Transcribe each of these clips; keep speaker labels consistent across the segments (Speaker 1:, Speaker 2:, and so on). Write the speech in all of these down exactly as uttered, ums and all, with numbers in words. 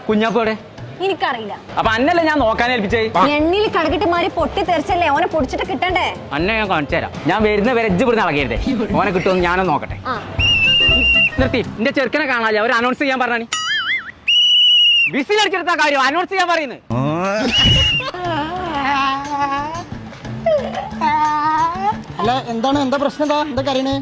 Speaker 1: കുഞ്ഞാപ്പോടെ
Speaker 2: എനിക്കറിയില്ല.
Speaker 1: അപ്പൊ അന്നല്ലേ ഞാൻ നോക്കാൻ ഏൽപ്പിച്ചേ.
Speaker 2: എണ്ണിൽ കടകിട്ട് മാറി പൊട്ടി തെറിച്ചല്ലേ ഓനെ പൊടിച്ചിട്ട് കിട്ടണ്ടേ.
Speaker 1: അന്നെ ഞാൻ കാണിച്ചു തരാം. ഞാൻ വരുന്ന വരെ എജ്ജ് ഇവിടുന്ന് ഇളകരുതേ. ഓനെ കിട്ടുമെന്ന് ഞാനൊന്ന് നോക്കട്ടെ. നിർത്തി. എന്റെ ചെറുക്കനെ കാണാല്ലേ, അവർ അനൗൺസ് ചെയ്യാൻ പറഞ്ഞാണി. ബിസിലടിച്ചെടുത്ത കാര്യം അനൗൺസ് ചെയ്യാൻ പറയുന്നത്.
Speaker 3: അല്ല എന്താണ്, എന്താ പ്രശ്നം? എന്താ എന്താ കരയണേ?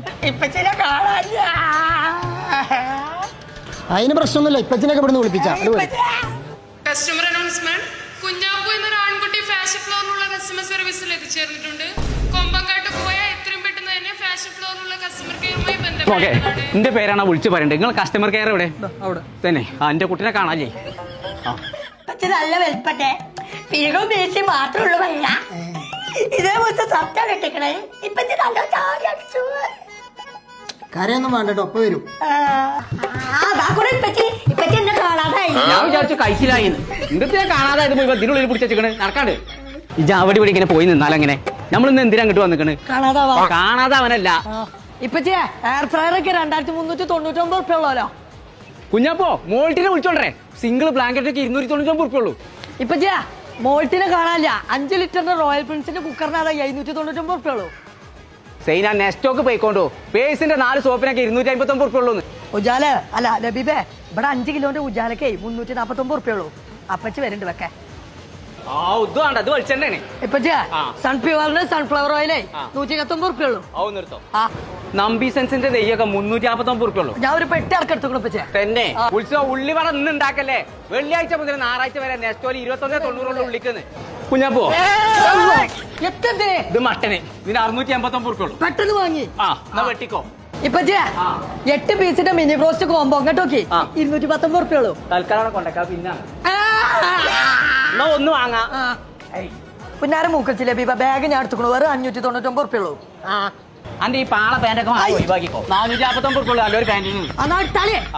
Speaker 3: അതിന് പ്രശ്നമൊന്നുമില്ല. ഇപ്പച്ചിനൊക്കെ ഇവിടുന്ന് വിളിപ്പിച്ചാ.
Speaker 4: Customer announcement. കുഞ്ഞാപ്പു എന്നൊരു ആൺകുട്ടി ഫാഷൻ ഫ്ലോറിനുള്ള കസ്റ്റമർ സർവീസിൽ എത്തിച്ചേർന്നിട്ടുണ്ട്. കൊമ്പങ്കാട്ട് പോയാൽ എത്രയും പെട്ടെന്ന് തന്നെ ഫാഷൻ ഫ്ലോറിനുള്ള കസ്റ്റമർ കെയറുമായി ബന്ധപ്പെടാനാണ്.
Speaker 1: എന്റെ പേരാണ് വിളിച്ചു പറയണ്ടേ. നിങ്ങൾ കസ്റ്റമർ കെയർ എവിടെ? അവിടെ തന്നെ. ആ എന്റെ കുട്ടിനെ കാണാല്ലേ.
Speaker 5: നല്ല വെൽപ്പട്ടെ പിഴകും വീഴ്ച മാത്രമുള്ളൂ. വയ്യ ഇതേപോലത്തെ സത്യം കെട്ടിക്കണേ. ഇപ്പൊ നല്ല ചാടി അടിച്ചു.
Speaker 3: കരയൊന്നും വേണ്ടോ, ഒപ്പം വരും.
Speaker 1: ഞാൻ വിചാരിച്ചു കഴിച്ചില്ലായി. ഇന്നത്തെ കാണാതായത് പോയി ഇതിനുള്ളിൽ പിടിച്ചേക്കണ് നടക്കാണ്ട്. ഇജ അവിടെ ഇവിടെ ഇങ്ങനെ പോയി നിന്നാലെങ്ങനെ? നമ്മളിന്ന് എന്തിനാ അങ്ങോട്ട് വന്നിക്കണ്? കാണാതാവനല്ല.
Speaker 5: ഇപ്പച്ചേ എയർ ഫ്രയർ ഒക്കെ രണ്ടായിരത്തി മുന്നൂറ്റി തൊണ്ണൂറ്റി ഒമ്പത് ഉറുപ്പ ഉള്ളല്ലോ.
Speaker 1: കുഞ്ഞാപ്പോ മോൾട്ടിനെ വിളിച്ചോണ്ടേ. സിംഗിൾ ബ്ലാങ്കറ്റ് ഒക്കെ ഇരുന്നൂറ്റി തൊണ്ണൂറ്റി ഒമ്പത് ഉറുപ്പ ഉള്ളൂ.
Speaker 5: ഇപ്പച്ചേ മോൾട്ടിനെ കാണാനില്ല. അഞ്ച് ലിറ്ററിന്റെ റോയൽ പ്രിൻസിന്റെ കുക്കറിനാണ് എഴുന്നൂറ്റി തൊണ്ണൂറ്റി ഒമ്പത് ഉറുപ്പ ഉള്ളൂ.
Speaker 1: സെയിന നെസ്റ്റോക്ക് പോയിക്കോണ്ടോ. പേസിന്റെ നാല് സോപ്പിനൊക്കെ ഇരുന്നൂറ്റി അമ്പത്തി ഒമ്പത് ഉറുപ്പ ഉള്ളൂ.
Speaker 5: ഉജാല അല്ല ലബീബേ, ഇവിടെ അഞ്ച് കിലോന്റെ ഉജാലക്കേ മുന്നൂറ്റി നാപ്പത്തി ഒമ്പത് ഉറുപ്പ ഉള്ളൂ. അപ്പച്ചി വരുന്നുണ്ട് വെക്കാൻ.
Speaker 1: ആ ഇത് വേണ്ട, ഇത് വലിച്ചെണ്ണേ.
Speaker 5: ഇപ്പച്ചേ സൺഫ്ലവറിന് സൺഫ്ലവർ ഓയിലേ നൂറ്റി ഇരുപത്തൊമ്പത് ഉറുപ്പ ഉള്ളൂ.
Speaker 1: നിർത്തോ. നമ്പി സെൻസിന്റെ നെയ്യൊക്കെ മുന്നൂറ്റി നാപ്പത്തി ഒമ്പത് ഉറുപ്പ ഉള്ളൂ.
Speaker 5: ഞാൻ ഒരു പെട്ടി ഇറക്കെടുത്തു പച്ചേ.
Speaker 1: തന്നെ ഉത്സവം ഉള്ളിവട ഇന്ന് ഉണ്ടാക്കല്ലേ. വെള്ളിയാഴ്ച മുതൽ ഞായറാഴ്ച വരെ നെസ്റ്റോയിൽ ഇരുപത്തി ഒന്നേ തൊണ്ണൂറുള്ള ഉള്ളിക്കുന്നു. കുഞ്ഞാപ്പോ ഇത് മട്ടന് ഇതിന് അറുന്നൂറ്റി എൺപത്തി ഒമ്പത് ഉറുപ്പ ഉള്ളൂ.
Speaker 5: പെട്ടെന്ന് വാങ്ങി.
Speaker 1: ആ എന്നാ വെട്ടിക്കോ.
Speaker 5: ഇപ്പച്ചേ എട്ട് പീസിന്റെ മിനി ബ്രോസ്റ്റ് കോമ്പോ അങ്ങോട്ട് നോക്കി ഇരുന്നൂറ്റി പത്തൊമ്പത് ഉറുപ്പ ഉള്ളൂ.
Speaker 1: തൽക്കാലം കൊണ്ടേക്കാ. പിന്നെ എന്നാ ഒന്ന് വാങ്ങാ.
Speaker 5: പിന്നാരും മൂക്കച്ചില്ലേ ബീബ ബാഗ് ഞാൻ എടുത്തുക്കണു. വേറെ അഞ്ഞൂറ്റി തൊണ്ണൂറ്റി ഒമ്പത് ഉറുപ്പ ഉള്ളൂ.
Speaker 1: അന്റെ ഈ പാള പാൻറ്റൊക്കെ ഒഴിവാക്കിക്കോ. നാനൂറ്റി നാപ്പത്തി ഒമ്പത് ഉറുപ്പ ഉള്ളൂ നല്ലൊരു പാൻറ്റിന്.
Speaker 5: എന്നാ ഇട്ടാലേ